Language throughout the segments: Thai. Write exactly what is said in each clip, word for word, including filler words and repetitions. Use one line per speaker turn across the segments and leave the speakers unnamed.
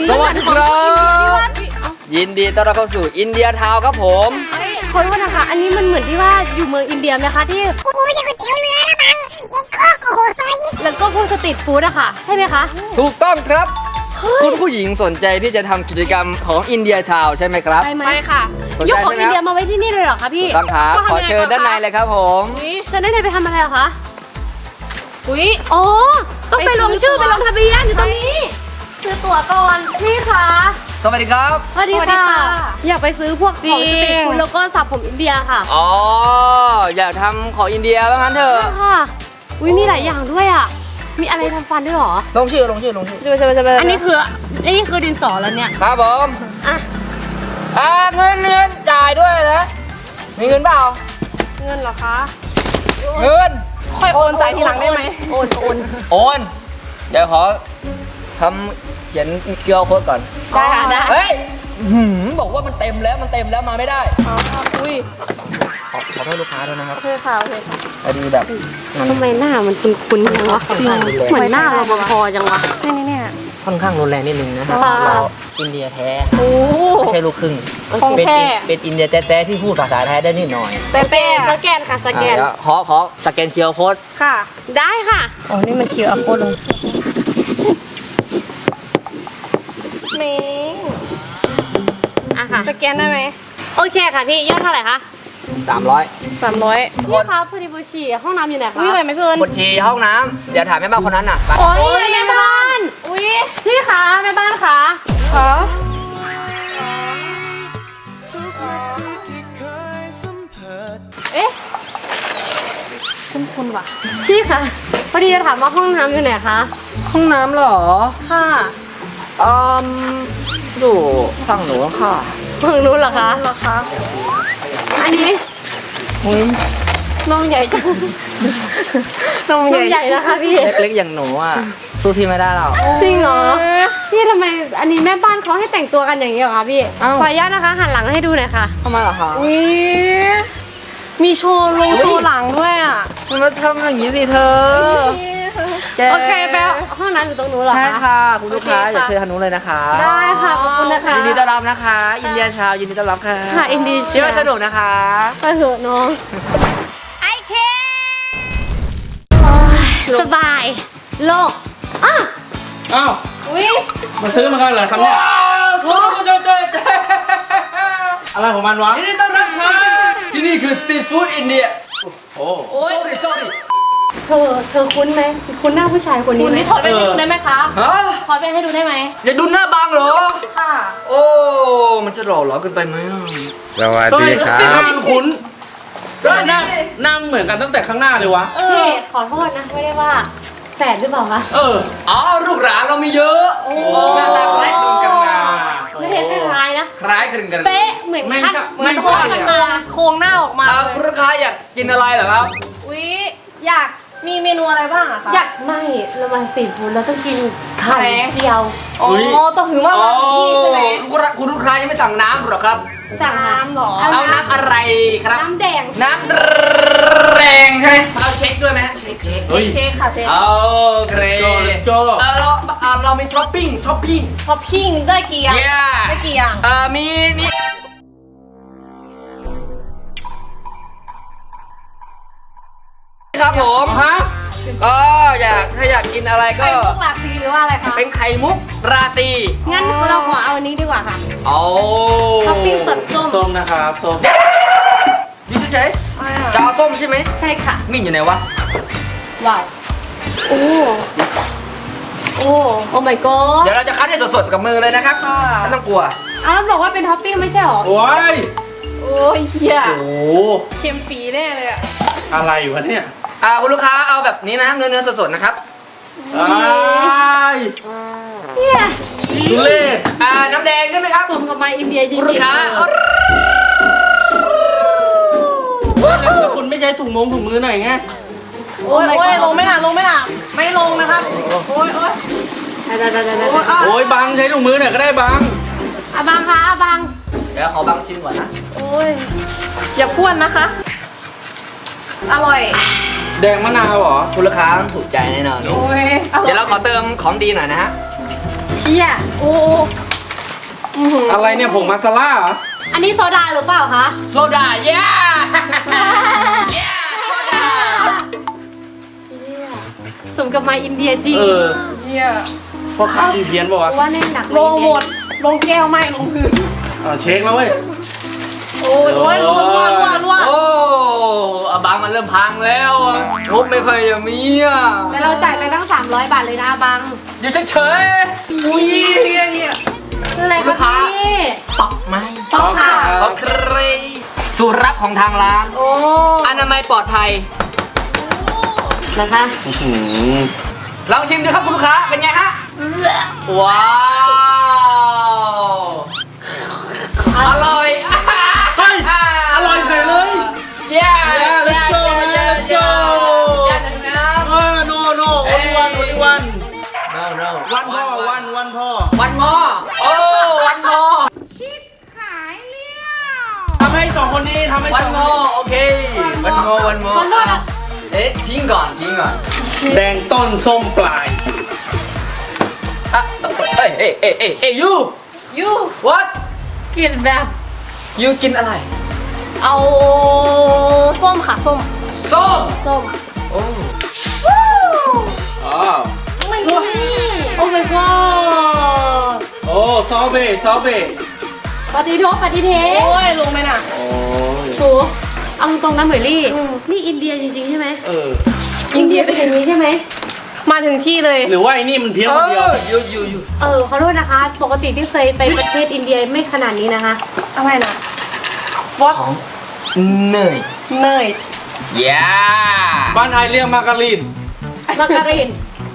สวัสดีครับยินดีต้อนรับเข้าสู่อินเดียทาวน์ครับผม
ขอโทษนะคะอันนี้มันเหมือนที่ว่าอยู่เมืองอินเดียไหมคะที่
กูไม่ใช่ก๋วยเตี๋ยวเรือนะบังยังโคกโอ้โหซอยยิง
แล้วก็พวกสตรีทฟู้ดอะค่ะใช่ไหมคะ
ถูกต้องครับคุณผู้หญิงสนใจที่จะทำกิจกรรมของอินเดียทาวน์ใช่ไหมครับ
ไปไหมไปค่ะยกของอินเดียมาไว้ที่นี่เลยเหรอคะพี่
ต้องครับขอเชิญด้านในเลยครับผม
เชิญด้านในไปทำอะไรเหรอคะอุ้ยอ๋อต้องไปลงชื่อไปลงทะเบียนอยู่ตรงนี้ซื้อตั๋วก่อนพี่คะ
สวัสดีครับ
สวัสดีค่ะอยากไปซื้อพวกของสตรีทฟู้ดแล้วก็สับผมอินเดียค่ะ
อ๋ออยากทำของอินเดียว่างั้นเถอะ
ค่ะอุ้ยมีหลายอย่างด้วยอ่ะมีอะไรทำฟันด้วยหรอ
ลงชื่อลงชื่อลงชื่อ
อันนี้คืออันนี้คือดินสอแล้วเนี่ย
ครับผม
อ่ะ
อ่าเงินเงินจ่ายด้วยนะมีเงินเปล่า
เงินเหรอคะ
เงิน
ค่อยโอนจ่ายทีหลังได้ไหมโอนโอน
โอนเดี๋ยวขอทำเขียนเคียวโค้ดก่อน
ได้ค่ะได้
เฮ้ยบอกว่ามันเต็มแล้วมันเต็มแล้วมาไม่ได้
อ๋ออุ้ย
ขอขอโทษลูกค้าด้วยนะครับ
โอเคค่ะโอเคค่ะ
พอดีแบบ
ทำไมหน้ามันคุ้นๆจังวะจริงเหมือนหน้าเราพอจังวะใช่เนี่ย
ค่อนข้างรุนแรงนิดนึงนะครับเราอินเดียแท้ไม่ใช่ลูกครึ่งเป็นเป็นอินเดียแท้ๆที่พูดภาษาไทยได้นิดหน่อย
เป๊ะสแกนค่ะสแกน
ขอขอสแกนเคียวโค้ด
ค่ะได้ค่ะอ๋อนี่มันเคียวโค้ดลงเมงอ่ะค่ะสแกนได้ไหมโอเคค่ะพี่ยอดเท่าไหร่คะ
สามร้อย
สามร้อยพี่คะพอดีบูชีห้องน้ำอยู่ไหนคะ
อุ้ยไปไหมเพื่อน
บูชีห้องน้ำเดี๋ยวถามแม่บ้านคนนั้นน่ะ
โอ้ยแม่บ้านอุ้ยพี่คะแม่บ้านคะคะเอ๊ะคุ้นคุ้นว่ะพี่คะพอดีจะถามว่าห้องน้ำอยู่ไหนคะ
ห้องน้ำเหรอ
ค่ะ
อืมดูฝั่งหนูค่ะ
ฝั่งนู้นเหรอคะเหรอคะอันนี้
อุ้ย
น้องใหญ่จังน้องใหญ่นะคะพี่
เล็กๆอย่างหนูอ่ะสู้พี่ไม่ได้หรอก
จริงเหรอพี่ทำไมอันนี้แม่บ้านเขาให้แต่งตัวกันอย่างนี้เหรอคะพี่ขออนุญาตนะคะหันหลังให้ดูหน่อยค่ะ
ทำไมเหรอคะ
อุ้ยมีโชว์ลงโชว์หลังด้วยอ่ะ
มาทำอย่างนี้สิเธอ
โอเคแปลห้องน้ำอยู่ตรงนู้นเหรอคะ
ใช่ค่ะคุณลูกค้าอย่าเชิญทางนู้นเลยนะคะ
ได้ค่ะขอบคุณนะคะ
ยินดีต้อนรับนะคะอินเดียชาวยินดีต้อนรับค่ะ
ค่ะอินเดีย
คิดว่าสนุกนะคะ
ก็เถอะน้อง
ไอเค
สบายโล่งอ้าว
อ้าว
อุ้ย
มาซื้อมากันเหรอครับเนี่ยอะไรของมันวะ
ยินดีต้อนรับค่ะที่นี่คือสตรีทฟู้ดอินเดีย
โอ้
โอ้ย sorry sorry
เธอเธอคุ้นไหมคุ้นหน้าผู้ชายคนนี้ไหมถอดแว่นให้ดูได้ไหมคะ
ฮะ
ถอดแว่นให้ดูได้ไหม
จะดูหน้าบางเหรอ
ค่ะ
โอ้มันจะหล่อหลอเกินไปไหม
สวัสดีครับมันคุ้นนั่งนั่งเหมือนกันตั้งแต่ข้างหน้าเลยวะ
พี่ขอโทษนะไม่ได้ว่าแฝดหรือเปล่าคะ
เออ
อ๋อลูกหลานเรามีเยอะ
โอ้
หน้าตาคล้ายคลึงกันนะ
ไม่ได้คล้ายนะ
คล้ายคลึงกัน
เป๊ะเหมือนคัดเหมือนโครงกันมาโครงหน้าออกมา
คุณลูกค้าอยากกินอะไรเหรอครับ
อุ๊ยอยากมีเมนูอะไรบ้างอะคะอยากไม่เรามาสตรีทฟู้ดแล้วต้องกินไข่เจียวอ๋อต้องถือว่ามาที่ใช่ไหม
คุณลูกค้ายังไม่สั่งน้ำหรอครับ
สั่งน้ำหรอ
เอาน้ำอะไรครับ
น้ำแดง
น้ำแดงใช่ไหมเอาเช็คด้วยไหมเช็คเช็ค
เช็คค่ะเช็ค
โอเค
let's go
เออเราเรามีท็อปปิ้งท็อปปิ้ง
ท็อปปิ้งได้กี่อย่างได้กี่อย่าง
เออมีมีครับผม
ฮะ
ก็อยากถ้าอยากกินอะไรก็
ไข่มุกราตรีหรือว่าอะไรคะ
เป็นไข่มุกราตรี
งั้นเราขอเอาอันนี้ดีกว่าค่ะ
โอ้
ท็อปปิ้งแบบส้ม
ส้มนะครับส้ม
นี่เฉยๆจะเอาส้มใช่ไหม
ใช่ค่ะ
มีอยู่ไหนวะ
ว้าวโอ้โอ้โอ้ my god
เดี๋ยวเราจะคัดให้สดๆกับมือเลยนะครับไม่ต้องกลัว
อ้าวบอกว่าเป็นท็อปปิ้งไม่ใช่หรอ
โอ้ย
โอ้ยเฮีย
โอ้
เค็มปีแน่เลยอะ
อะไรอยู่วะเนี่ย
อ่าคุณลูกค้าเอาแบบนี้นะครับเนื้อเนื้อสดๆนะครับ
ไอ้
เฮีย
ทุเรศ
อ่าน้ำแดงใช่ไหมครับ
ผมกับมาอินเดียจริงๆ
คุณลูกค้า
แล้วคุณไม่ใช้ถุงมงถุงมือหน่อยไง
โอ้ยโอ้ยลงไม่หนาลงไม่หนาไม่ลงนะครับโอ้ยโอ้ยได้ได้ได้ได้
โอ้ยบังใช้ถุงมือหน่อยก็ได้บัง
อ่ะบังคะอ่ะบัง
เดี๋ยวขอบังชิมก่อนนะ
โอ้ยอย่าพ้วนนะคะอร่อย
แดงมะนาวเหรอ
คุณลูกค้าถูกใจแน่นอน
โอ้ย
เดี๋ยวเราขอเติมของดีหน่อยนะฮะ
ชี่ยโอ้อื้อหือ
อะไรเนี่ยผงมาซาล่าเหรอ
อันนี้โซดาหรือเปล่าคะ
โซดาเย้เย้โซดา
สมกับมาอินเดียจริง
เออ
เฮีย
พอข้าวเพี้ยนป่าวะ
ว่าแน่นหนัก
ลงหมด ลงแก้วไม่ลงพื้น
อ่าเช็คแล้วเว้ย
โอ้ยโอ้ยรัวรัวรัวรัว
โอ้อาบังมันเริ่มพังแล้วอะงบไม่เคยจะมีอ่ะ
แต่เราจ่ายไปตั้งสามร้อยบาทเลยนะบัง
อยู่เฉยๆอุ้ยเนี่ยเนี่ย
คืออะไร
ลู
คะ
กค้า
พี่
ปักไหม
ป๊อกค่ะ
โอเคสูตรลับของทางร้าน
โอ้
อนามัยปลอดภัย
นะคะ
อื้อหือ
ลองชิมดูครับคุณลูกค้า เป็นไงฮะ ว้าว อร่อย
เฮ้ยอร่อยเฉยเลย
เย้
Yeah, let's go, man, let's go. เออ no no only one only one
no no
วันพ่อวันวันพ่อ
วันมอโอ้วันมอ
ทำให้สองคนนี้ทำให้
วั
ส
น
อง
ม
ค
อน โอเควันมอวันมอ
วันมอนะ
เอ๊ะทิ้งก่อนทิ้งก่อน
แดงต้นส้มปลาย
อ่ะเอ้ยเอ้ยเอ้ยเอ้ยเอ้ย you
ยู
what
กินแบบ
you กินอะไร
เอาส้มค่ะส้ม
ส้ม
ส้ม
โอ้
อ๋อ
ไม่รู้โอ้ my god
โอ้ซอเบซอเบ
ปฏิโทษปฏิเท
โอ้ยลงไหมน่ะ
โอ้ย
สูเอาตรงๆนะเหมยลี่ นี่อินเดียจริงๆใช่ไหม
เออ
อินเดียเป็นอย่างนี้ใช่ไหม
มาถึงที่เลย
หรือว่าไอ้นี่มันเพี้ยน
เอ
คนเดียว
อ you you you
เออขอโทษนะคะ ปกติที่เคยไปประเทศอินเดียไม่ขนาดนี้นะคะ
อะไรนะวอต
ของเนย
เนย
yeah
บ้านไทยเรียกมาการีน
มาการิน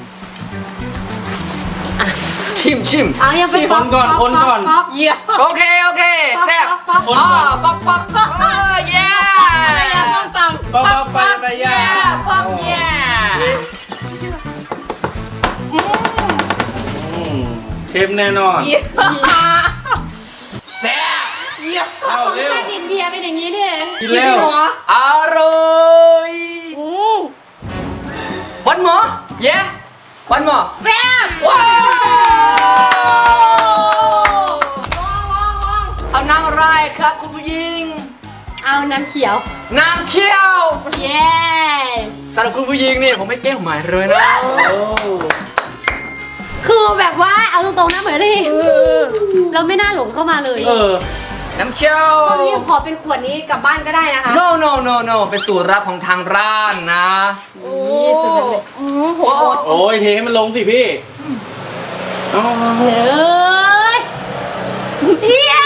ชิมชิม
เอาอย่าไป
คนก่อนคนก่อน
ป๊อก
เยี่ยม
โอเค โอเคแซ่บ
ป๊อก
คน
อ๋อ
ก่อน
ป๊อกป๊อกป๊อกเออ yeah
ต้องต
ป๊อปป๊อปไปไปย่า
ป๊อก yeah
อืมเค็มแน่นอน
ำเยี่ยม
แซ่บ
เยี่ยม
เอาเร็ว
อินเดียเป็นอย่างนี้เนี่ย
กินเร็ว
หัว
อร่อย
อืม
วันหมอ yeah วันหมอ
แซ่บ
ว้าว
ว้าวว้าวว้าว
เอาน้ำอะไรครับคุณผู้หญิง
เอาน้ำเขียว
น้ำเขียว
เย้
สำหรับคุณผู้หญิงเนี่ยผมให้แก้วใหม่เลยนะ
โอ้
คือแบบว่าเอาตรงๆนะเหมยลี่เราไม่น่าหลงเข้ามาเลย
เออ
น้ำเขียว
ตอนนี้ขอเป็นขวดนี้กลับบ้านก็ได้นะคะ
no no no no เป็นสูตรลับของทางร้านนะ
โอ้อืมโหด
โอ้ยเทให้มันลงสิพี่เอา
เฮ้ยเฮีย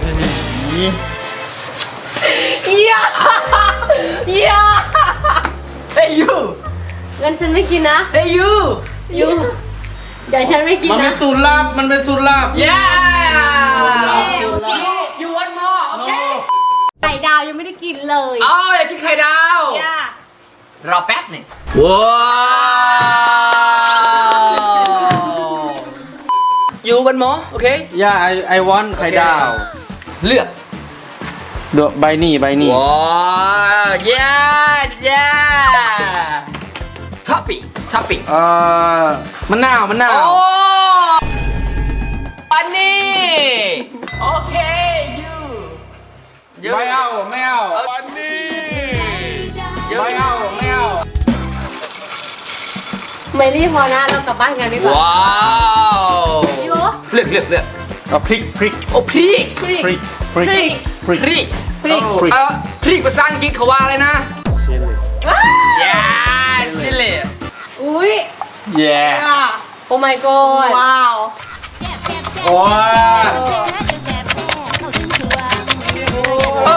เยี่ยมเยี่ยม
เฮ้ย you
งั้นฉันไม่กินนะ
เฮ้ย you
ยูเดี๋ยวฉันไม่กิน
มันเป็
นะ
นสูตรลับมันเป็นสูตรลับ
yeah
สูตรลับสูตรลับ
you want more โอเค
ไข่ดาวยังไม่ได้กินเลย
เอาอยากกินไข่ดาว
เยี่ยม
รอแป๊บหนึ่งว้าว you want more โอเค
ย่าไอไอวอนไข่ดาว
เลือก
เดอะใบนี่ใบนี่
ว้าว yes yeah ท็อปปิ้งท็อปปิ้ง
เอ่อมะนาวมะนาว
โอ้อันนี้โอเค you you
ไม่เอาไม่เอา
อันนี้
ไม่เอาไม่เอา
เมลี่พอนะเรากลับบ้านกันดีกว่า
ว้าว
ยู
เลือกเลือกเลือก
เอาพริกพริก
โอ้พริกพริก
พริกพริก
พริก
พริก
พริก
พริก
พริก
เอ่อพริกภาษาอังกฤษเขาว่าอะไรนะ yes ชิลลี่
อุ้ย
แย่
โอ้ my god
ว้าว
โอ้ย
โอ้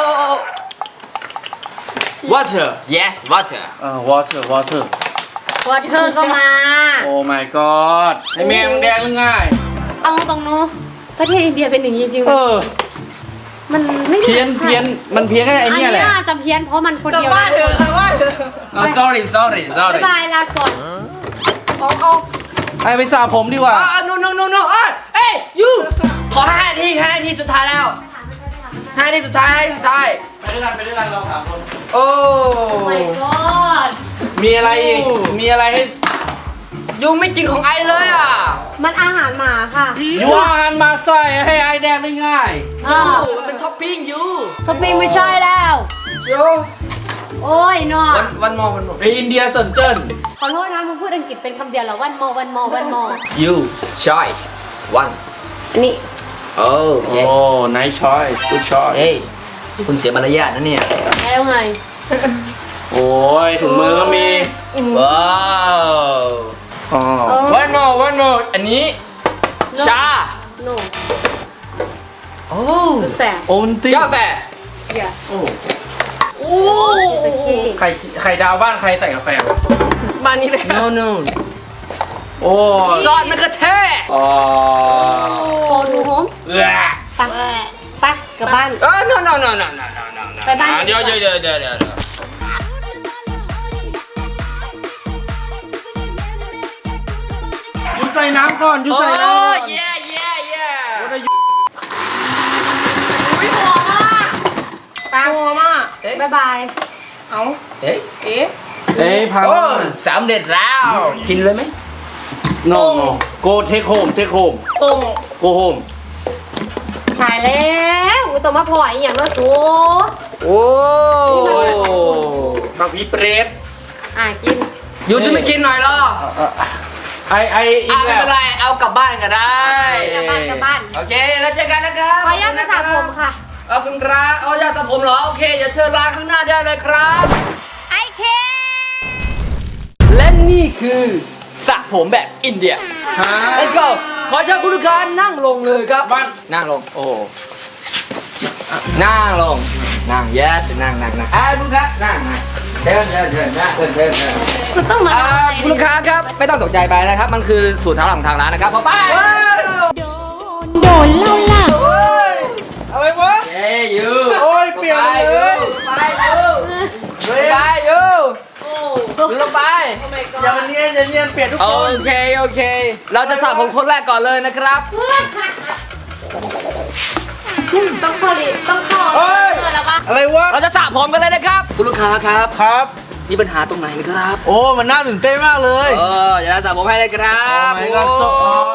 water yes water
เอ่อ water water
วอเทอร์ก็มา
โอ้ my god ไอแม่มึงแดงหรือไง่าย
เอาตรงเนาะประเทศอินเดียเป็นอย่างนี้จริงๆ
เออ
มันไม่
เพี้ยน
ใช่
เพี้ยนมันเพี้ยนแค่ไอ
อัน
เนี่
นี้
ยแหละ
น่าจะเพี้ยนเพราะมันคน
กลับ
เดียว
บ้านเถอะกลับบ้านเถอะ
oh sorry sorry
บ๊า
sorry
ยบายลาก่อน
เอาเอา
ไอไปสระผมดีกว่า
อ่า no no no no อ่ะเอ้ย you ขอห้านาทีห้านาทีสุดท้ายแล้วห้านาทีสุดท้ายห้านาทีสุดท้าย
ไปด้วยกันไปด้วยกันเราสามคน
โอ้
my god
มีอะไรอีก มีอะไรให้
ยูไม่กินของไอเลยอ่ะ
มันอาหารหมาค่ะ
ยูอาหารมาใส่ให้ไอแดงได้ง่าย
อ้าว
มันเป็นท็อปปิ้งยู
สปริงไม่ใช่แล้ว
โย
โอ้ยนอ
วันวันมอวันมอ
ไปอินเดียสนเจิ้น
ขอโทษนะมึงพูดอังกฤษเป็นคำเดียวเหรอวันมอวันมอวันมอ
ยู choice one
อันนี้
โอ้โอเค
โอ้ nice choice good choice
เฮ้ยคุณเสียมารยาทนะเนี่ย
แล้วไง
โอ้ยถุงมือก็มี
ว้าว
อ๋อ
วันมอวันมออันนี้ชา
โน่
โอ้
แฝด
โอนติ
กาแฟ
เกียร์
โอ้
โอ้
เป็นเค้ก
ไข่ไข่ดาวบ้านใครใส่กาแฟ
มานี่เลย
no no
โอ้
ซอสมะเขือเทศ
อ๋อ
โกดูโฮม
เอื้อ
ไปไปกลับบ้าน
เออ no no no no no no no
ไปบ้าน
เดี๋ยวเดี๋ยวเดี๋ยวเดี๋ยวเดี๋ยว
ยูใส่น้ำก่อนยู
โอ้
ใส่น้ำก่อน
yeah yeah yeah
อุ้ยหอมมากปลาหอมมาก
เอ๊ะ
บ๊ายบาย
เอ้า
เอ๊ะ
เอ๊ะ
เอ้ยพัง
โอ้สำเร็จแล้ว กินเลยไหม
no no go take home take home
ตรง
go home
ขายแล้วอุยตัวมาพลอยอหย่างละสู
โอ้
บางพีเปรต
อ่ะกิน
ยูจะไม่กินหน่อยเหรอ
ไอไออี
อ่ะ
ก
ไม่
แบ
เป็
บ
นไร เอากลับบ้านก็ได้
กลับบ้านกลับบ้าน
โอเค แล้วเจอกันนะครับ
ขออนุญาตจะสระผมค่ะ
เอาคุณครับเอาอยากสระผมเหรอ โอเค อย่าเชิญร้านข้างหน้าได้เลยครับ
ไอเค
และนี่คือสระผมแบบอินเดีย
ฮะ
let's go ขอเชิญคุณลูกค้านั่งลงเลยครับ
บ้าน
นั่งลง
โอ้
นั่งลง นั่ง yes นั่งนั่งนั่งอ่าคุณลูกค้านั่งนั่งเชิญเชิญเชิญนะเชิญเชิญเชิญ
คุณต้องมา
อ่า
ทำอะไร
คุณลูกค้าครับ ไม่ต้องตกใจไปนะครับ มันคือสูตรทางหลังทางร้านนะครับพอไป
โดนเล่าล่ะ
อะไรวะ
เย้ยู
โอ้ยเปลี่ยนเลย
ไปยูไปยูลงไป
อย่ามาเนียนอย่าเนียนเปลี่ยนทุก
โอ
คน
เค โอเค เราจะสระผมคนแรกก่อนเลยนะครับ
ต้องเข้าดิต้องเข้า
เฮ้ย
เออแล้วปะ
อะไรวะ
เราจะสระผมกันเลยนะครับ คุณลูกค้าครับ
ครับ
มีปัญหาตรงไหนไหมครับ
โอ้ มันน่าตื่นเต้นมากเลย
เออเดี๋ยวเราสระผมให้เลยครับ
Oh my god so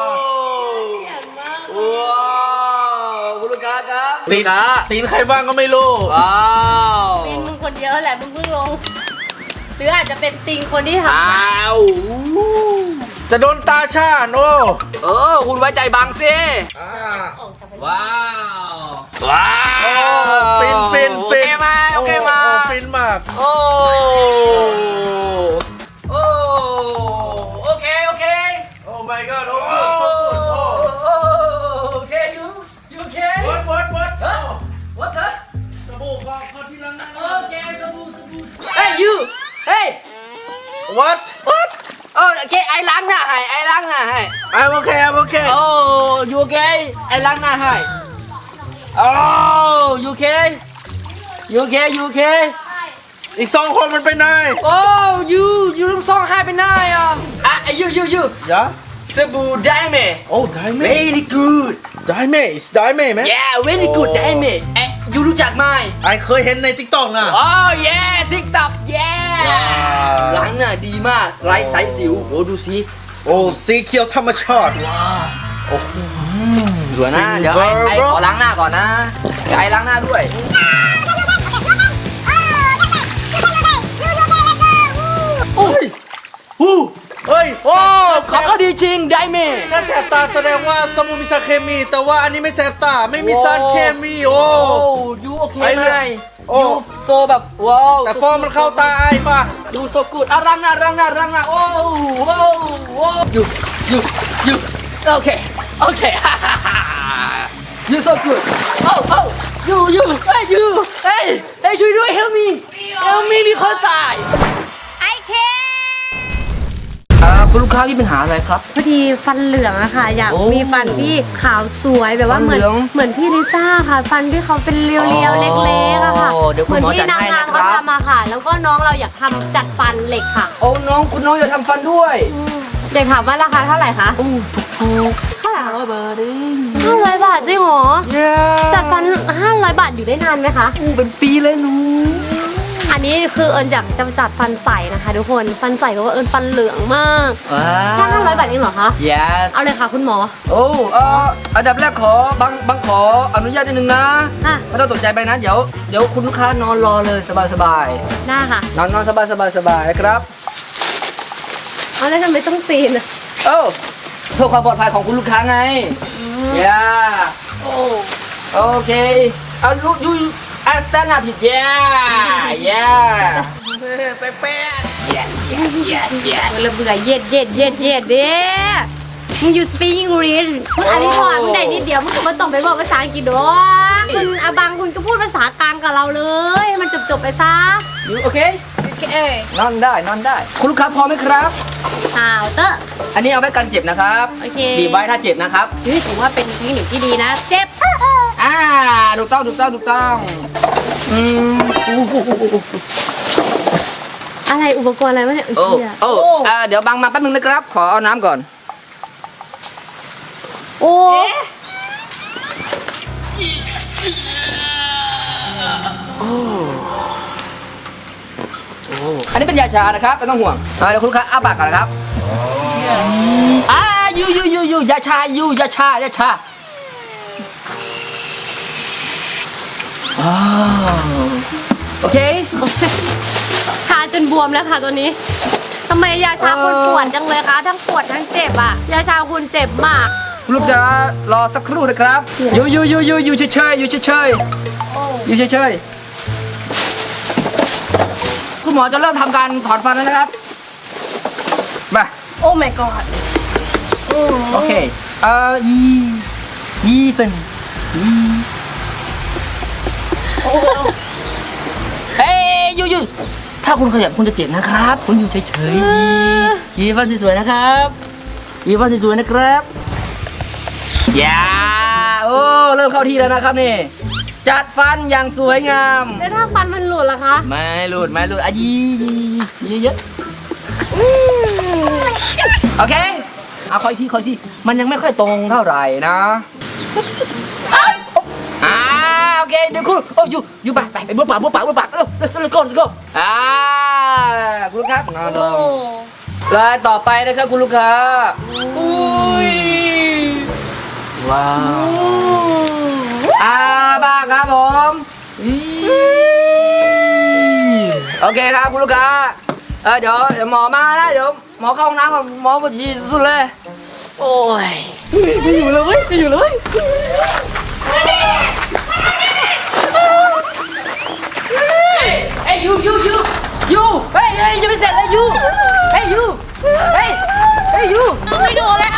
โอ้ว้าวคุณลูกค้าครับ
ตี
ลู
น
กค้า
ตีนใครบ้างก็ไม่รู้
ว้าว
เป็นมึงคนเดียวแหละมึงเพิ่งลง หรืออาจจะเป็นติงคนที่ท
อ้าว
จะโดนตาชาญโอ้
เออคุณไว้ใจบังสิ
ำ
ว้าว ว้า
โอ้
ว
ฟินฟิน
โอ
ฟิ
เคน มาโอเคมา
โอ้ฟินมาก
โอ้ โอ้ โอเค โอเค
โอ้ my god โอ้ good so good โอ้
โอเค you you okay
what what what
ฮะ what the
สบู่ขอขอที่ล้างหน้า
โอเคสบู่สบู่ Hey you Hey
what
what โอเคไอ้ล้างหน้าให้ไอ้ล้างหน้าให้
I'm okay I'm okay
โอ้ you okay ไอ้ล้างหน้าให้โอ้ you okay you okay you okay
อีกสองคนมันไปไหน
โอ้ you you ทั้งสองให้ไปไหนอ่ะอ่ะ you you you
ยะ
สบู่ได้ไหม
โอ้ได้ไหม
very good
ได้ไหม is ได้ไหมไหม
yeah very good ได้ไหมเอ๊ะ you รู้จักไหม
ไอเคยเห็นใน TikTok นะ
โอ้ yeah TikTok yeah ล้างหน้าดีมากไร้สายสิวโอ้ดูสิ
โอ้สีเขียวธรรมชาติว้าโอ้
สวยนะเดี๋ยวไอ้ไอ้ขอล้างหน้าก่อนนะเดี๋ยวไอ้ล้างหน้าด้วย
โอ้ยฮู้เฮ้ย
โอ้ของเขาดีจริงได้ไหม
ถ้าแสบตาแสดงว่าสมุนมีสารเคมี แต่ว่าอันนี้ไม่แสบตาไม่มีสารเคมีโอ้
โอ้ยูโอเค
ไอ้
ไห
เรื่
ม
องโอ้
ยูโซแบบว้าว
แต่ฟองมันเข้าตาไอ้ป่ะ
ยูโซกูดอ่ะล้างหน้าล้างหน้าล้างหน้าโอ้โอ้โอ้ยูยูยูโอเคโอเค ยูโซกูดโอ้โอ้ยูยูเฮ้ยยูเฮ้ยเฮ้ยช่วยด้วย help me help me มีคนตาย
ไอเค
อ่าคุณลูกค้ามีปัญหาอะไรครับ
พอดีฟันเหลืองอะค่ะ อยาก
โอ้
มีฟันที่ขาวสวยแบบว่า
ฟัน
เหมือน
เหลือง
เหมือนพี่ลิซ่าค่ะ ฟันที่เขาเป็นเรียว
อ๋อ
ๆเล็กๆอะค่ะ
เดี๋ยวคุ
เหมื
ณ
อน
หมอ
ที่
จัด
นาง
ให้
งาม
นะค
เขา
รับ
ทำมาค่ะ แล้วก็น้องเราอยากทำจัดฟันเหล็กค่ะ
โอ้น้องคุณน้องอยากทำฟันด้วย
อยากถามว่าราคาเท่าไหร่คะ
โอ้ถูก
เท่าไหร่
ห้าร้อยบาทเอง
ห้าร้อยบาทจริงเหรอ
เย้
จัดฟันห้าร้อยบาทอยู่ได้นานไหมคะ
อู้เป็นปีเลยหนู
อันนี้คือเอิญอยากจะจัดฟันใสนะคะทุกคนฟันใสเพราะว่าเอิญฟันเหลืองมาก
ว้า
แค่ห้าร้อยบาทเองเหรอคะ
yes
เอาเลยค่ะคุณหมอ
โอ้เอออันดับแรกขอบางบางขออนุญาตนิดนึงนะ
อ่ะ
ไม่ต้องตกใจไปนะ เดี๋ยวเดี๋ยวคุณลูกค้านอนรอเลยสบายสบาย
ได้ค่ะ
นอนนอนสบายสบายสบายนะครับ
เอาแล้วทำไมต้องตีนอะ
โอ้เพื่อความปลอดภัยของคุณลูกค้าไงย่า
โอ้
โอเคเอาลูกยูอัสตานาผิดย่าย่า
แป๊ะแป๊ะ
yes yes yes yes
เบื่อเบื่อเย็ดเย็ดเย็ดเย็ดเด้มึงอยู่ speak English มึงอันนี้พอมึงได้นิดเดียวมึงก็ไม่ต้องไปบอกภาษาอังกฤษดอกคุณอาบังคุณก็พูดภาษากลางกับเราเลยให้มันจบจบๆไปซะ
ยูโอเค
โอเคน
อนได้นอนได้ คุณลูกค้าพร้อมไหมครับ
ข่าวเตอร์
อันนี้เอาไว้กันเจ็บนะครับ
โอเค
บีบไว้ถ้าเจ็บนะครับ
นี่ถือว่าเป็นเทคนิคที่ดีนะ เจ็บ
อ่าถูกต้องถูกต้องถูกต้องอืมอู้หูหูหูหู
อะไรอุปกรณ์อะไรวะเนี่ย
โอ้
เหี้ย
โอ้อ่าเดี๋ยวบังมาแป๊บนึงนะครับ ขอเอาน้ำก่อน
โอ้
อันนี้เป็นยาชานะครับไม่ต้องห่วงอ่าเดี๋ยวคุณลูกค้าอ้าปากก่อนนะครับอ่ายูยูยูยูยาชายูยาชายาชาอ้าวโอเค
ชาจนบวมแล้วค่ะตัวนี้ทำไมยาชาคุณปวดจังเลยคะทั้งปวดทั้งเจ็บอ่ะยาชาคุณเจ็บมาก
คุณลูกจะรอสักครู่นะครับยูยูยูยูยูเฉยเฉยยูเฉยเฉยยูเฉยเฉยคุณหมอจะเริ่มทำการถอนฟันแล้วนะครับมา
โอ้ my god อืม
โอเคเอ่อยียีฟันยีเฮ้ยยูยูถ้าคุณขยับคุณจะเจ็บนะครับ คุณอยู่เฉยเฉยๆยีฟันสวยๆนะครับยีฟันสวยๆนะครับอย่าโอ้เริ่มเข้าที่แล้วนะครับนี่จัดฟันอย่างสวยงาม
แล้วถ้าฟันมันหลุดล่ะคะ
ไม่หลุดไม่หลุดอ่ะยียียีเยอะโอเคเอาคอยที่คอยที่มันยังไม่ค่อยตรงเท่าไหร่นะอ่าโอเคเดี๋ยวคุณโอ้ยูยูไปไปไปบ้วนปากบ้วนปากบ้วนปากเร็ว let's go let's go อ่าคุณลูกค้านอนล
โอ้
งรายต่อไปนะครับคุณลูกค้าอุ้ยว้าวอ่าบ้าครับผมอีโอเคครับคุณลูกค้าเออเดี๋ยวเดี๋ยวหมอมานะเดี๋ยวหมอเข้าห้องน้ำก่อนหมอปวดฉี่สุดเลยโอ้ย
ไม่อยู่เลยเว้ยไม่อยู่เลย
เฮ้ยยูยูยูยูเฮ้ยเฮ้ยยังไม่เสร็จเลยยูเฮ้ยยูเฮ้ยเฮ้ยยู
ไม่ดูแล้ว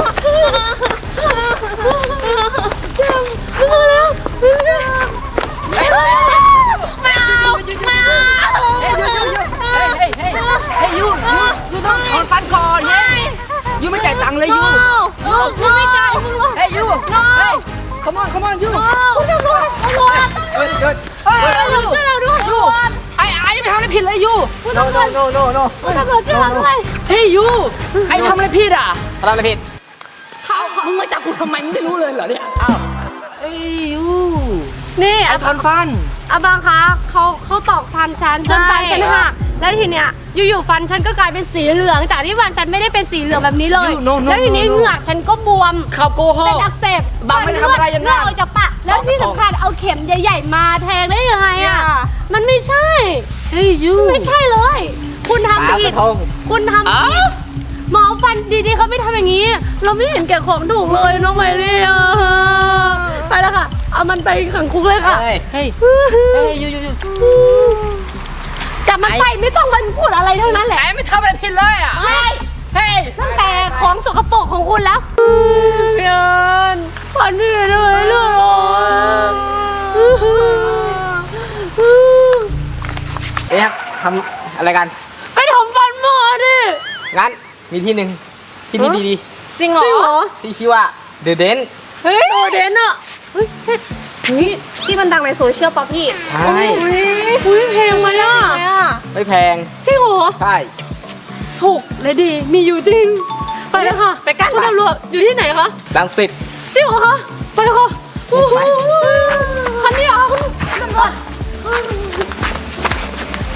เฮ้ย
ไม่เอาไม่เอา
เฮ้ยยูยูยูเฮ้ยเฮ้ยเฮ้ยเฮ้ยยูยูยูต้องถอนฟันก่อนเฮ้ยยูไม่จ่ายตังค์เลยยู
ลูกกูไม่จ่ายมึงหรอก
เฮ้ยยูเฮ้ย come on come on ยู
คุณตำรวจตำรวจ
เฮ้ยเฮ้ยเฮ้ยยูช่วยเราด้วยยูไอ้ไอ้ยังไม่ทำอะไรผิดเลยยู
no no no no no คุณตำรวจจะทำอะไร
เฮ้ยยูไอ้ทำอะไรผิดอ่ะ
ทำอะไรผิด
เขามึงมาจับกูทำไมมึงไม่รู้เลยเหรอเนี่ยอ้าวเฮ้ยยู
นี่
ไอ้ถอนฟัน
อาบังคะเขาเขาตอกฟันฉันจนฟันฉันหักแล้วทีเนี้ยอยู่ๆฟันฉันก็กลายเป็นสีเหลืองจากที่ฟันฉันไม่ได้เป็นสีเหลืองแบบนี้เลย
You, no, no,
แล้วทีนี้
no, no.
เหงือกฉันก็บวม
เขาโกห
เป็น
ก
อักเสบ
บังไม่ได้ทำอะไรอย่างนั้น
เลือดออกจากปากแล้วที่สำคัญเอาเข็มใหญ่ๆมาแทงได้ยังไงอ่ะมันไม่ใช่
เฮ้ยยู
ไม่ใช่เลย คุณทำผิด
ปากกระทง
คุณทำผิดหมอฟันดีๆเขาไม่ทำอย่างนี้ เราไม่เห็นแก่ของถูกเลยน้องไมลี่อะไปแล้วค่ะ เอามันไปขังคุกเลยค่ะ
เฮ้ยเฮ้ยเฮ้ยยูยูยู
จับมันไปไม่ต้องมันพูดอะไรเท่านั้นแหละ
ไอ้ไม่ทำอะไรผิดเลยอ่ะ
เฮ้ย
เฮ้ย
ตั้งแต่ของสกปรกของคุณแล้ว
เพียน
ฟันพี่เลยเรื่อง
เอ๊ะทำอะไรกัน
ไปทำฟันหมอดิ
งั้นมีที่หนึ่งที่นี่ดี
จริงเหร
จริงเหร
อ
อ
ๆที่ชื่อว่า The Den
เฮ้ย
โอเดนอะเฮ้ยใช่
ที่ที่มันดังในโซเชียลป่ะพี่
ใช่
อุ้ยอุ้ยเพลงไหมอะ
ทำไมอ่ะ
ไม่แพง
จริงเหรอ
ใช่
ถูกและดีมีอยู่จริง ไปเลยค่ะ
ไปกัน
คุณตำรวจอยู่ที่ไหนคะ
ดังสิท
จริงเหรอคะไปเลยค่ะโอ้โหคันนี้เหรอคุณตำรวจ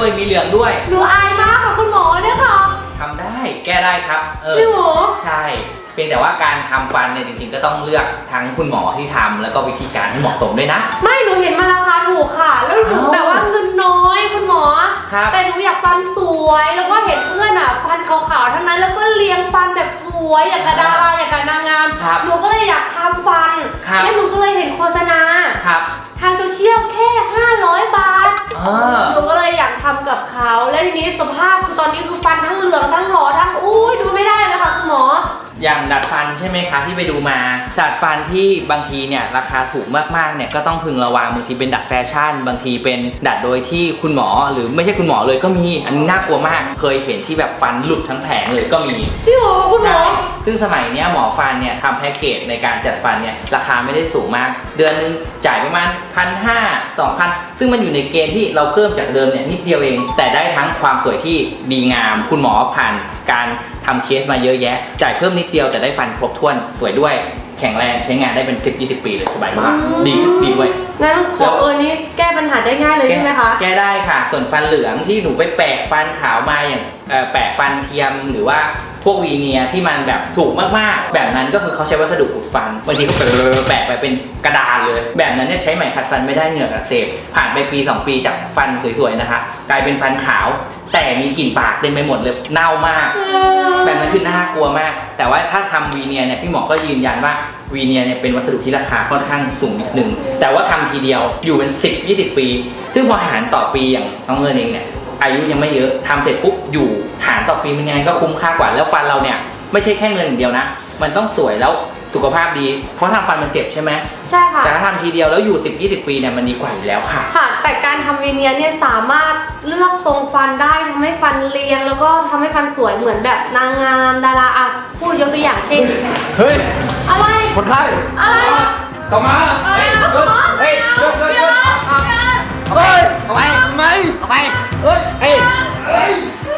ด้วยมีเหลืองด้วย
หนูอายมากค่ะคุณหมอเนี่ยค่ะ
ทำได้แก้ได้ครับเออ
จริงเหรอ
ใช่เพียงแต่ว่าการทำฟันเนี่ยจริงๆก็ต้องเลือกทั้งคุณหมอที่ทำแล้วก็วิธีการที่เหมาะสมด้วยนะ
ไม่หนูเห็นมันราคาถูกค่ะ แล้วหนู
อ้าว
แบบว่าเงินน้อยคุณหมอ
ครับ
แต่หนูอยากฟันสวยแล้วก็เห็นเพื่อนอ่ะฟันขาวๆทั้งนั้นแล้วก็เรียงฟันแบบสวยอย่างกระดาราอย่างกระนางงาม
ครับ
หนูก็เลยอยากทำฟัน
ครับ
แล้วหนูก็เลยเห็นโฆษณา
ครับ
ทางโซเชียลแค่ห้าร้อยบาท
เออ
หนูก็เลยอยากทำกับเขาและทีนี้สภาพคือตอนนี้คือฟันทั้งเหลืองทั้งหลอทั้งอุ้ยดูไม่ได้เลยค่ะคุณหมอ
อย่างดัดฟันใช่ไหมคะที่ไปดูมาดัดฟันที่บางทีเนี่ยราคาถูกมากๆเนี่ยก็ต้องพึงระวังบางทีเป็นดัดแฟชั่น บางทีเป็นดัดโดยที่คุณหมอหรือไม่ใช่คุณหมอเลยก็มีอันนี้น่ากลัวมากเคยเห็นที่แบบฟันหลุดทั้งแผงเลยก็มี
จริงเหรอคุณหม
ใช่
อ
ซึ่งสมัยเนี้ยหมอฟันเนี่ยทำแพ็กเกจในการจัดฟันเนี่ยราคาไม่ได้สูงมาก เดือนนึงจ่ายประมาณพันห้าสองพันซึ่งมันอยู่ในเกณฑ์ที่เราเพิ่มจากเดิมเนี่ยนิดเดียวเอง แต่ได้ทั้งความสวยที่ดีงาม คุณหมอผ่านการทำเคสมาเยอะแยะ จ่ายเพิ่มนิดเดียวแต่ได้ฟันครบถ้วนสวยด้วยแข็งแรงใช้งานได้เป็น สิบยี่สิบ ปีเลยสบายมากดีดีด้วย
งั้นของเอิญนี่แก้ปัญหาได้ง่ายเลยใช่ไหมคะ
แก้ได้ค่ะ ส่วนฟันเหลืองที่หนูไปแปะฟันขาวมาอย่างเอ่อแปะฟันเทียมหรือว่าพวกวีเนียร์ที่มันแบบถูกมากๆ แบบนั้นก็คือเขาใช้วัสดุอุดฟันบางทีก็แปะไปเป็นกระดาษเลย แบบนั้นเนี่ยใช้ไหมขัดฟันไม่ได้เหงือกอักเสบผ่านไปปีสองปีจากฟันสวยๆนะคะ กลายเป็นฟันขาว แต่มีกลิ่นปากเต็มไปหมดเลยเน่ามาก แบบนั้นคือน่ากลัวมาก แต่ว่าถ้าทำวีเนียร์เนี่ยพี่หมอก็ยืนยันว่าวีเนียร์เนี่ยเป็นวัสดุที่ราคาค่อนข้างสูงนิดนึงแต่ว่าทำทีเดียวอยู่เป็น สิบ ยี่สิบ ปี ซึ่งพอหารต่อปีอย่างน้องเงินเองเนี่ยอายุยังไม่เยอะทำเสร็จปุ๊บอยู่หารต่อปีมันยังไงก็คุ้มค่ากว่าแล้วฟันเราเนี่ยไม่ใช่แค่เงินอย่างเดียวนะมันต้องสวยแล้วสุขภาพดีเพราะทำฟันมันเจ็บใช่ไหม
ใช่ค่ะ
แต่ถ้าทำทีเดียวแล้วอยู่ สิบ ยี่สิบ ปีเนี่ยมันดีกว่าอยู่แล้วค่ะ
ค่ะ แต่การทำวีเนียร์เนี่ยสามารถเลือกทรงฟันได้ทำให้ฟันเรียงแล้วก็ทำให้ฟันสวยเหมือนแบบนางงามดาราอ่ะพูดยกตัวอย่างเช่น
เฮ้ย
อะไร
คนไข้
อะไร
กลับมา
อะไร
เฮ้ยเฮ้ยหยุดหยุดหยุดเฮ้ยเอาไปทำไมเอาไปเฮ้ยเฮ้ยเฮ้ย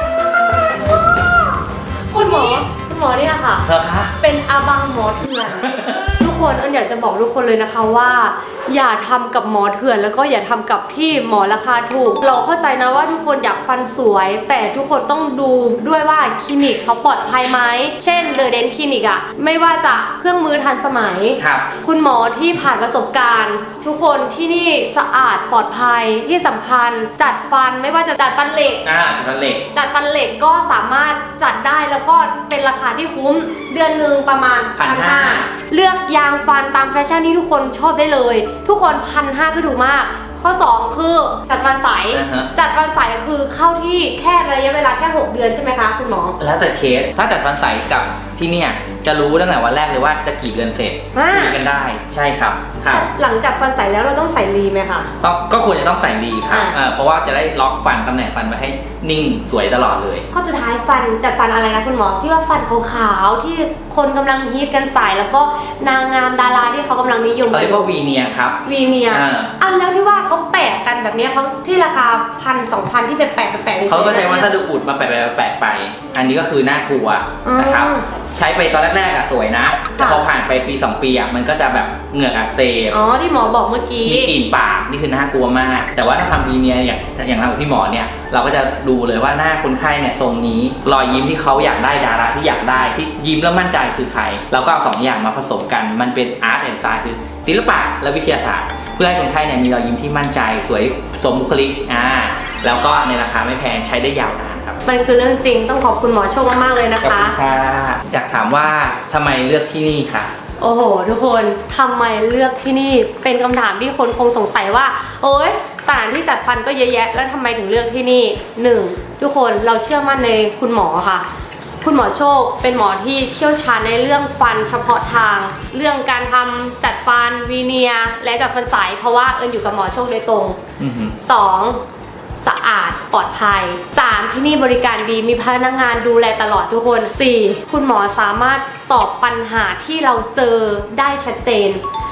คุณหมอคุณหมอเนี่ยค่ะ
เธอคะ
เป็นอาบังหมอเถื่อน ทุกคนเอิญอยากจะบอกทุกคนเลยนะคะว่า อย่าทำกับหมอเถื่อนแล้วก็อย่าทำกับที่หมอราคาถูก เราเข้าใจนะว่าทุกคนอยากฟันสวย แต่ทุกคนต้องดูด้วยว่าคลินิกเขาปลอดภัยไหมเช่นเดอะเดนคลินิกอะไม่ว่าจะเครื่องมือทันสมัย
ครับ
คุณหมอที่ผ่านประสบการณ์ ทุกคนที่นี่สะอาดปลอดภัยที่สำคัญจัดฟันไม่ว่าจะจัดฟันเหล็ก
อ่าฟันเหล็ก
จัดฟันเหล็กก็สามารถจัดได้แล้วก็เป็นราคาที่คุ้มเดือนหนึ่งประมาณ
พันห้า
เลือกยางฟันตามแฟชั่นที่ทุกคนชอบได้เลย ทุกคนพันห้าคือถูกมาก ข้อ สอง คือจัดฟันใส
อ่าฮะ
จัดฟันใสคือเข้าที่แค่ระยะเวลาแค่หกเดือนใช่ไหมคะคุณหมอ
แล้วแต่เคส ถ้าจัดฟันใสกับที่เนี่ยจะรู้ตั้งแต่วันแรกเลยว่าจะกี่เดือนเสร็จ
อ่า
คุยกันได้ ใช่ครับครับ
หลังจากฟันใสแล้วเราต้องใส่รีไหมคะ
ก็ก็ควรจะต้องใส่ดีครับ
อ่า
เออเพราะว่าจะได้ล็อกฟันตำแหน่งฟันไว้ให้นิ่งสวยตลอดเลย
ข้อสุดท้ายฟันจัดฟันอะไรนะคุณหมอที่ว่าฟันขาวๆที่คนกำลังฮิตกันใส่แล้วก็นางงามดาราที่เขากำลังนิยม
เขาเรียกว่าวีเนียร์ครับ
วีเนียร์
อ่า
อันแล้วที่ว่าเขาแปะกันแบบเนี้ยเขาที่ราคาพันสองพันที่ไปแปะไปแปะฉยๆ
เขาก็ใช้วัส
แบบเนี้ย
ดุอุดมาแปะๆแปะๆไป อันนี้ก็คือน่ากลัวนะครับ
อืม
ใช้ไปตอนแรกๆอะสวยนะแต่
ค่ะ
พอผ่านไปปีสองปีอะมันก็จะแบบเหงือกอักเสบ
อ๋อที่หมอบอกเมื่อกี้
มีกลิ่นปากนี่คือน่ากลัวมาก แต่ว่าถ้าทำวีเนียร์อย่างอย่างเรากับพี่หมอเนี่ยเราก็จะดูเลยว่าหน้าคนไข้เนี่ยทรงนี้รอยยิ้มที่เขาอยากได้ดาราที่อยากได้ที่ยิ้มแล้วมั่นใจคือใครเราก็เอาสองอย่างมาผสมกันมันเป็นอาร์ตแอนด์ไซน์คือศิลปะและวิทยาศาสตร์ เพื่อให้คนไข้เนี่ยมีรอยยิ้มที่มั่นใจสวยสมบุคลิกอ่าแล้วก็ในราคาไม่แพงใช้ได้ยาวนานครับ
มันคือเรื่องจริงต้องขอบคุณหมอโชคมากๆเลยนะ
ขอบ
คะ
คุณค่ะอยากถามว่าทำไมเลือกที่นี่ค่ะ
โอ้โห ทุกคนทำไมเลือกที่นี่เป็นคำถามที่คนคงสงสัยว่า โอ๊ยสถานที่จัดฟันก็เยอะแยะ แล้วทำไมถึงเลือกที่นี่หนึ่งทุกคนเราเชื่อมั่นในคุณหมอค่ะ คุณหมอโชคเป็นหมอที่เชี่ยวชาญในเรื่องฟันเฉพาะทาง เรื่องการทำจัดฟันวีเนียร์และจัดฟันใสเพราะว่าเอิญอยู่กับหมอโชคโดยตรง
อือหือ
สองสะอาดปลอดภัย สามที่นี่บริการดีมีพนักงานดูแลตลอดทุกคน สี่คุณหมอสามารถตอบปัญหาที่เราเจอได้ชัดเจน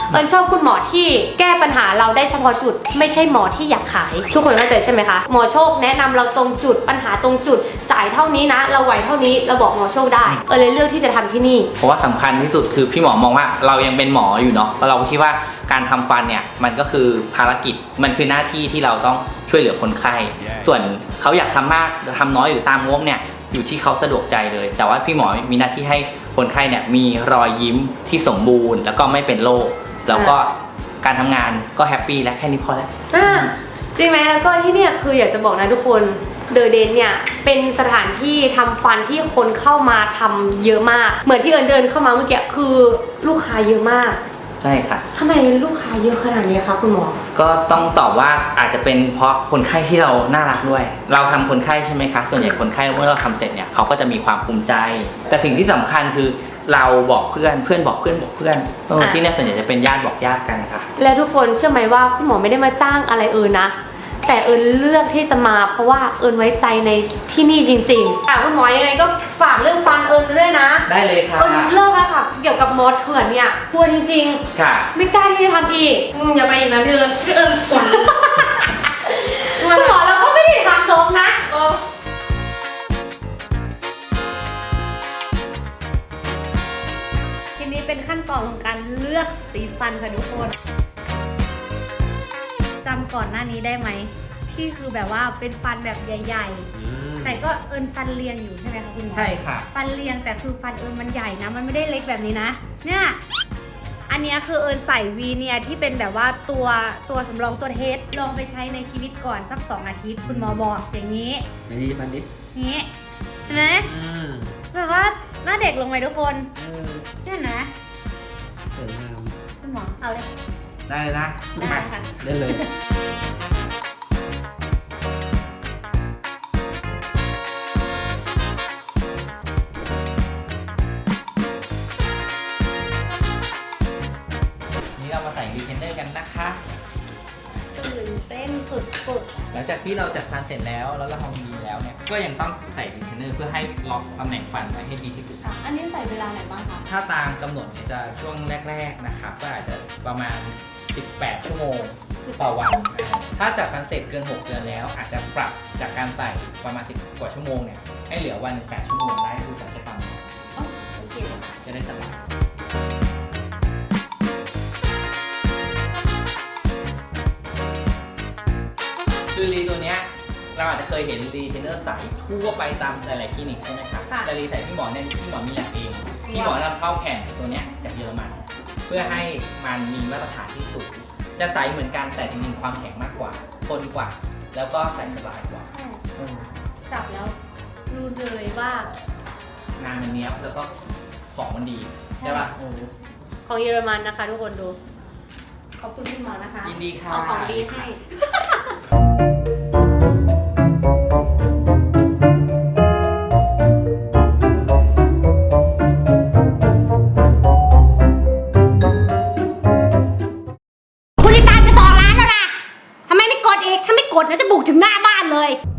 เอิญชอบคุณหมอที่แก้ปัญหาเราได้เฉพาะจุดไม่ใช่หมอที่อยากขายทุกคนเข้าใจใช่ไหมคะหมอโชคแนะนำเราตรงจุดปัญหาตรงจุดจ่ายเท่านี้นะเราไหวเท่านี้เราบอกหมอโชคได้เออเลยเลือกที่จะทำที่นี่
เพราะว่าสำคัญที่สุดคือพี่หมอมองว่าเรายังเป็นหมออยู่เนาะเพราะเราคิดว่าการทำฟันเนี่ยมันก็คือภารกิจมันคือหน้าที่ที่เราต้องช่วยเหลือคนไข้ yeah. ส่วนเขาอยากทำมากทำน้อยหรือตามงบเนี่ยอยู่ที่เขาสะดวกใจเลย แต่ว่าพี่หมอมีหน้าที่ให้คนไข้เนี่ยมีรอยยิ้มที่สมบูรณ์แล้วก็ไม่เป็นโรคแล้วก็การทำงานก็แฮปปี้และแค่นี้พอแล้ว
จริงไหมแล้วก็ที่เนี่ยคืออยากจะบอกนะทุกคนเดอะเดนเนี่ยเป็นสถานที่ทำฟันที่คนเข้ามาทำเยอะมากเหมือนที่เอิญเดินเข้ามาเมื่อกี้คือลูกค้าเยอะมาก
ใช่ค่ะ
ทำไมลูกค้าเยอะขนาดนี้คะคุณหมอ
ก็ต้องตอบว่าอาจจะเป็นเพราะคนไข้ที่เราน่ารักด้วยเราทำคนไข้ใช่ไหมคะส่วนใหญ่คนไข้เมื่อเราทำเสร็จเนี่ยเขาก็จะมีความภูมิใจแต่สิ่งที่สำคัญคือเราบอกเพื่อนเพื่อนบอกเพื่อนบอกเพื่อนที่เนี่ยส่วนใหญ่จะเป็นญาติบอกญาติกันค่ะ
แล้วทุกคนเชื่อไหมว่าคุณหมอไม่ได้มาจ้างอะไรเอิญนะแต่เอิญเลือกที่จะมาเพราะว่าเอิญไว้ใจในที่นี่จริงๆอ่ะคุณหมอยังไงก็ฝากเรื่องฟันเอิญด้วยนะ
ได้เลยค่ะ
เอิญเลิกแล้วค่ะเกี่ยวกับมดเถื่อนเนี่ยกลัวจริงๆ
ค่ะ
ไม่กล้าที่จะทำอีกอย่าไปอีกนะพี่เอิญพี่เอิญกดคุณหมอเราก็ไม่ได้ทำน้องนะทีนี้เป็นขั้นตอนของการเลือกสีฟันค่ะทุกคนจำก่อนหน้านี้ได้ไหมที่คือแบบว่าเป็นฟันแบบใหญ่ๆแต่ก็เอิญฟันเรียงอยู่ใช่ไหมคะคุณหมอ
ใช่ค่ะ
ฟันเรียงแต่คือฟันเอิญมันใหญ่นะมันไม่ได้เล็กแบบนี้นะเนี่ยอันนี้คือเอิญใส่วีเนียที่เป็นแบบว่าตัวตัวสำรองตัวเทสลองไปใช้ในชีวิตก่อนสักสองอาทิตย์คุณหมอบอกอย่างนี้
นี่ฟันดิ
นี้เห็นไหมแบบว่าหน้าเด็กลงไหมทุกคนเห็นไหม
สวยงาม
คุณหมอเอาเลย
ได้เลยนะ
ได้ค่ะ
ได้เลยนี่เรามาใส่รีเทนเนอร์กันนะคะ
ตื่นเต้นสุด
ๆหลังจากที่เราจัดฟันเสร็จแล้วแล้วเราทำดีแล้วเนี่ยก็ยังต้องใส่รีเทนเนอร์เพื่อให้ล็อกตำแหน่งฟันไว้ให้ดีที่สุด
อันนี้ใส่เวลาไหนบ้างคะ
ถ้าตามกำหนดเนี่ยจะช่วงแรกๆนะครับก็อาจจะประมาณสิบแปดชั่วโมงต่อวันถ้าจัดฟันเสร็จเกินหกเดือนแล้วอาจจะปรับจากการใส่ประมาณสิบกว่าชั่วโมงเนี่ยให้เหลือวันหนึ่งแปดชั่วโมงได้คือใส่ตัวฟัน
โอเค
จะได้สบายคือรีตัวเนี้ยเราอาจจะเคยเห็นรีเทนเนอร์ใสทั่วไปตามหลายๆคลินิกใช่ไหมครับแต่รีใส่พี่หมอเนี่ยพี่หมอมีแลบเองพี่หมอนำเข้าแผ่นตัวเนี้ยจากเยอรมันเพื่อให้มันมีมาตรฐานที่สูงจะใสเหมือนกันแต่จริงๆความแข็งมากกว่าทนกว่าแล้วก็ใส่สบายกว่า
จับแล้วรู้เลยว่
างานมันเนี้ยบแล้วก็ของมันดีใช่ป่ะ
ของเยอรมันนะคะทุกคนดูขอบคุณพี่หมอนะคะ
ยินดีค่ะ
เอาของดีให้
กดนะจะบุกถึงหน้าบ้านเลย